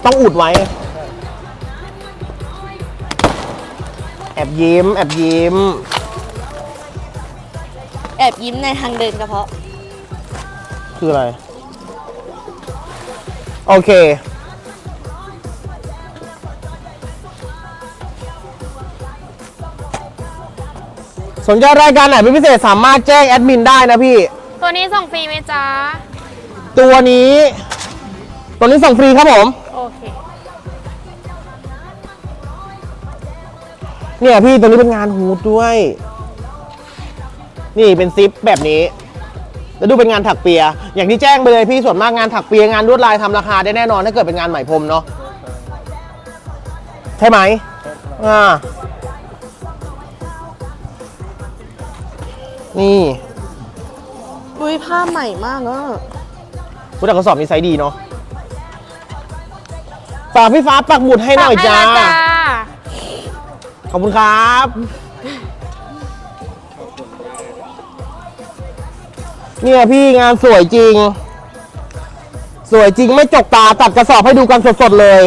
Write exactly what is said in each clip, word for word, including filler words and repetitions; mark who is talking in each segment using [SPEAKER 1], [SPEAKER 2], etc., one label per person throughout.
[SPEAKER 1] ต้องอุดไว้แอบยิ้มแอบยิ้ม
[SPEAKER 2] แอบยิ้มในทางเดินกระเพาะ
[SPEAKER 1] คืออะไรโอเคสนใจรายการไหนเป็นพิเศษสามารถแจ้งแอดมินได้นะพี่
[SPEAKER 3] ตัวนี้ส่งฟรีไหมจ๊ะ
[SPEAKER 1] ตัวนี้ตัวนี้ส่งฟรีครับผม
[SPEAKER 3] โอเค
[SPEAKER 1] เนี่ยพี่ตัวนี้เป็นงานฮูดด้วยนี่เป็นซิปแบบนี้แล้วดูเป็นงานถักเปียอย่างที่แจ้งไปเลยพี่ส่วนมากงานถักเปียงานลวดลายทำราคาได้แน่นอนถ้าเกิดเป็นงานไหมพรมเนาะใช่ไหมอ่านี่
[SPEAKER 2] อุ้ยผ้าใหม่มากเนาะ
[SPEAKER 1] ผู้จัดกระสอบนี้ไซส์ดีเนาะฝากพี่ฟ้าปักหมุดให้หน่อยจ้าขอบคุณครับเนี่ยพี่งานสวยจริงสวยจริงไม่จกตาตัดกระสอบให้ดูกันสดๆเลย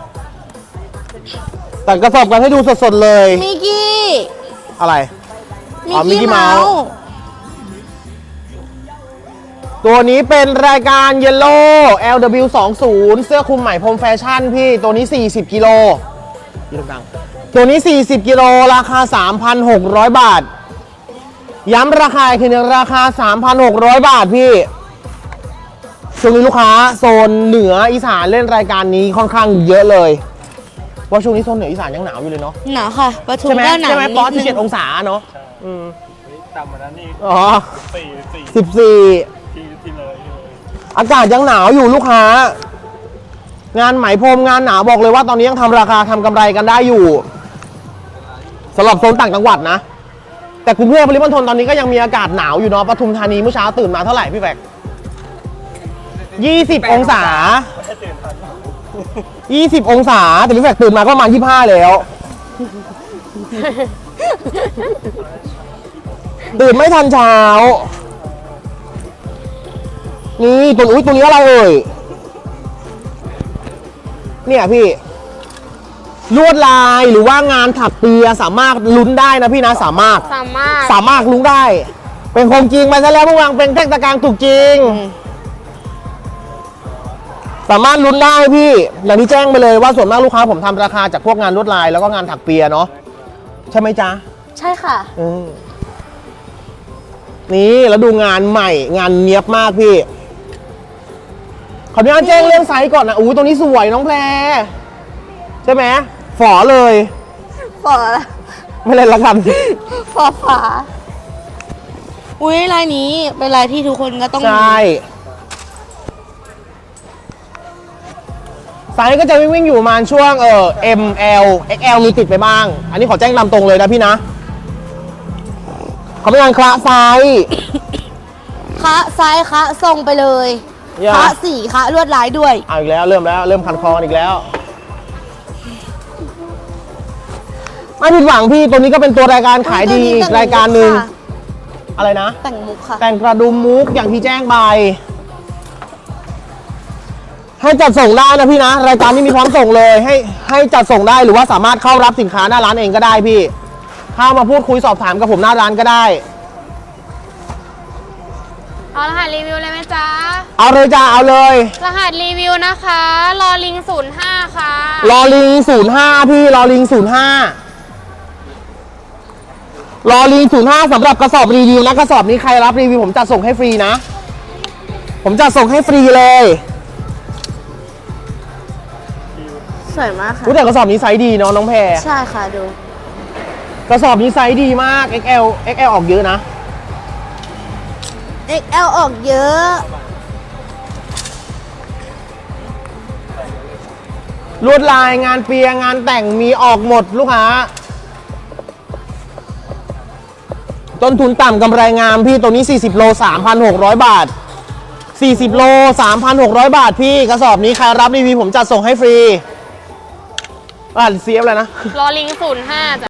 [SPEAKER 1] ตัดกระสอบกันให้ดูสดๆเลย
[SPEAKER 2] มิกกี้
[SPEAKER 1] อะไร
[SPEAKER 2] อ๋อมิกกี้เมาส์
[SPEAKER 1] ตัวนี้เป็นรายการ Yellow แอล ดับเบิลยู ยี่สิบ เสื้อคลุมไหมพรมแฟชั่นพี่ตัวนี้สี่สิบกิโลตัวนี้สี่สิบกิโลราคา สามพันหกร้อย บาทย้ำราคาคือราคา สามพันหกร้อย บาทพี่ช่วงนี้ลูกค้าโซนเหนืออีสานเล่นรายการนี้ค่อนข้างเยอะเลยว่าช่วงนี้โซนเหนืออีสานยังหนาวอยู่เลยเนาะ
[SPEAKER 2] หนาวค่ะปทุมก็หนาว
[SPEAKER 1] ใช่ไหมปอสิบเจ็ดองศาเนาะอืม
[SPEAKER 4] ต่ำกว่านั้นนี่
[SPEAKER 1] อ๋อ
[SPEAKER 4] สิบสี่
[SPEAKER 1] สิบสี่
[SPEAKER 4] ที่เลย
[SPEAKER 1] อากาศยังหนาวอยู่ลูกค้างานไหมพรมงานหนาวบอกเลยว่าตอนนี้ยังทำราคาทำกำไรกันได้อยู่สำหรับโซนต่างจังหวัดนะแต่กรุงเทพปริมณฑลตอนนี้ก็ยังมีอากาศหนาวอยู่เนาะปทุมธานีเมื่อเช้าตื่นมาเท่าไหร่พี่แบกยี่สิบองศายี่สิบองศาแต่พี่แบกตื่นมาก็ประมาณยี่สิบห้าแล้วตื่นไม่ทันเช้านี่ตัวอุ้ยตัวนี้อะไรเอ่ยเนี่ยพี่ลวดลายหรือว่างานถักเปียสามารถลุ้นได้นะพี่นะสามารถ
[SPEAKER 3] สามารถ
[SPEAKER 1] สามารถลุ้นได้เป็นคงจริงไปซะแล้วเมื่อวานเป็นเทคตะการถูกจริงสามารถลุ้นได้พี่อย่างที่แจ้งไปเลยว่าส่วนมากลูกค้าผมทำราคาจากพวกงานลวดลายแล้วก็งานถักเปียเนาะใช่ไหมจ๊ะ
[SPEAKER 2] ใช่ค่ะ
[SPEAKER 1] นี่แล้วดูงานใหม่งานเนียบมากพี่ขออนุญาตแจ้งเรื่องไซส์ก่อนนะอู้ตรงนี้สวยน้องแพรใช่ไหมฝอเลย
[SPEAKER 2] ฝอ
[SPEAKER 1] ไม่เล่นละกัน
[SPEAKER 2] ฝอฝาอุ้ยลายนี้เป็นลายที่ทุกคนก็ต้อง
[SPEAKER 1] ใช่ไซส์ก็จะวิ่งวิ่งอยู่ประมาณช่วงเออ เอ็ม แอล เอ็กซ์ แอล มีติดไปบ้างอันนี้ขอแจ้งตามตรงเลยนะพี่นะขอเป็นงานคละไซส์
[SPEAKER 2] คะไซส์คะส่งไปเลยคะสีคะลวดลายด้วย
[SPEAKER 1] เอาอีกแล้วเริ่มแล้วเริ่มคันคออีกแล้วไม่ผิดหวังพี่ตัวนี้ก็เป็นตัวรายการขายดีอีกรายการหนึ่งอะไรนะ
[SPEAKER 2] แต่งมุกค่ะ
[SPEAKER 1] แต่งกระดุมมุกอย่างที่แจ้งไปให้จัดส่งได้นะพี่นะรายการนี้มีพร้อมส่งเลยให้ให้จัดส่งได้หรือว่าสามารถเข้ารับสินค้าหน้าร้านเองก็ได้พี่เข้ามาพูดคุยสอบถามกับผมหน้าร้านก็ได้
[SPEAKER 3] เอารหัสรีวิวเลยไหมจ๊ะ
[SPEAKER 1] เอาเลยจ้าเอาเลย
[SPEAKER 3] รหัสรีวิวนะคะลอลิงศูนย์ห้าค่ะ
[SPEAKER 1] ลอลิงศูนย์ห้าพี่ลอลิงศูนย์ห้า รอลิงศูนย์ห้าสำหรับกระสอบรีวิวนะกระสอบนี้ใครรับรีวิวผมจะส่งให้ฟรีนะผมจะส่งให้ฟรีเลย
[SPEAKER 2] สวยมากค่ะ
[SPEAKER 1] แต่กระสอบนี้ไซส์ดีเนาะน้องแพร
[SPEAKER 2] ใช่ค่ะดู
[SPEAKER 1] กระสอบนี้ไซส์ดีมาก เอ็กซ์ แอล เอ็กซ์ แอล ออกเยอะนะ
[SPEAKER 2] เอ็กซ์ แอล ออกเยอะ
[SPEAKER 1] ลวดลายงานเปียงานแต่งมีออกหมดลูกค้าต้นทุนต่ำกำไรงามพี่ตัวนี้สี่สิบโล สามพันหกร้อย บาทสี่สิบโล สามพันหกร้อย บาทพี่กระสอบนี้ใครรับรีวิวผมจัดส่งให้ฟรีอ่านเสียบเลยนะ
[SPEAKER 3] รอลิงศูนย์ห้าจ้ะ